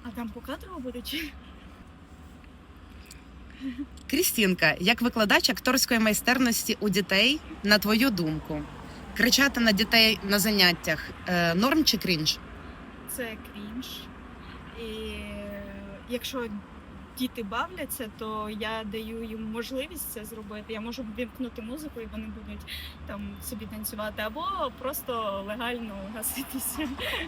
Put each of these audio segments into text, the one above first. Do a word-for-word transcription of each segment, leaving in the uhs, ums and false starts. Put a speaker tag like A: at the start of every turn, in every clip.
A: А там покадрово буде чи?
B: Крістінка, як викладач акторської майстерності у дітей, на твою думку, кричати на дітей на заняттях е, норм чи крінж?
A: Це крінж. І якщо діти бавляться, то я даю їм можливість це зробити. Я можу вимкнути музику і вони будуть там собі танцювати, або просто легально гаситися.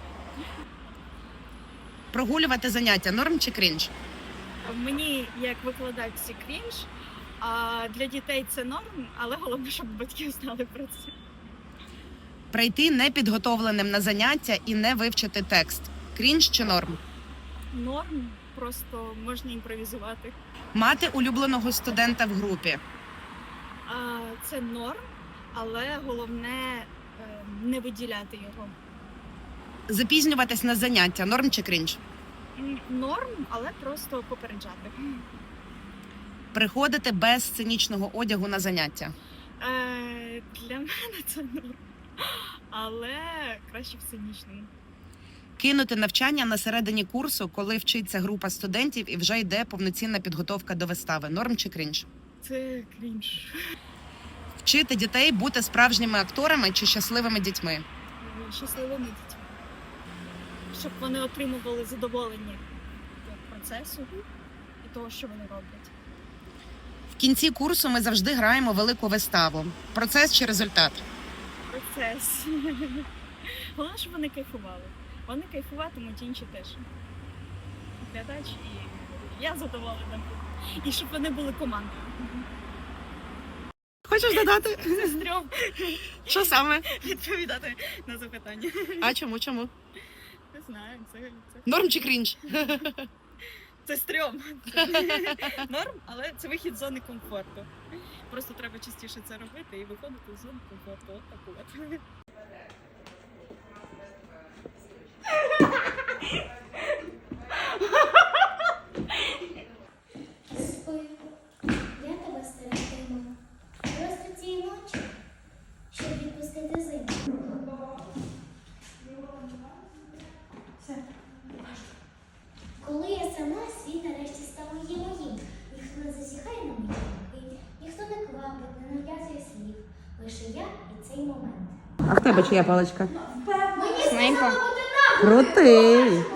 B: Прогулювати заняття норм чи крінж?
A: Мені як викладач це крінж, а для дітей це норм, але головне, щоб батьки знали про це.
B: Прийти непідготовленим на заняття і не вивчити текст. Крінж чи норм?
A: Норм, просто можна імпровізувати.
B: Мати улюбленого студента в групі.
A: А, це норм, але головне е, не виділяти його.
B: Запізнюватись на заняття норм чи крінж?
A: М, Норм, але просто попереджати.
B: Приходити без сценічного одягу на заняття.
A: Е, для мене це норм, але краще в сценічному.
B: Кинути навчання на середині курсу, коли вчиться група студентів і вже йде повноцінна підготовка до вистави. Норм чи крінж?
A: Це крінж.
B: Вчити дітей бути справжніми акторами чи щасливими дітьми.
A: Щасливими дітьми. Щоб вони отримували задоволення від процесу і того, що вони роблять.
B: В кінці курсу ми завжди граємо велику виставу. Процес чи результат?
A: Процес. Головне, щоб вони кайфували. Вони кайфуватимуть, інші теж. Глядач і я задоволена. І щоб вони були командою.
B: Хочеш додати?
A: Це стрьом
B: Що саме?
A: відповідати на запитання.
B: А чому, чому?
A: Не знаю, це, це...
B: Норм чи крінж?
A: Це стрьом. Норм, але це вихід з зони комфорту. Просто треба частіше це робити і виходити з зони комфорту. От так от.
C: Спи, я тебе стерегтиму. Просто цієї ночі, щоб відпустити зиму. Коли я сама, світ нарешті став моїм моїм. Ніхто не засіхає на мої думки, ніхто не квапить, не нав'язує слів. Лише я і цей момент.
B: А в тебе чия паличка?
C: Мені сказали бути так!
B: Крутий!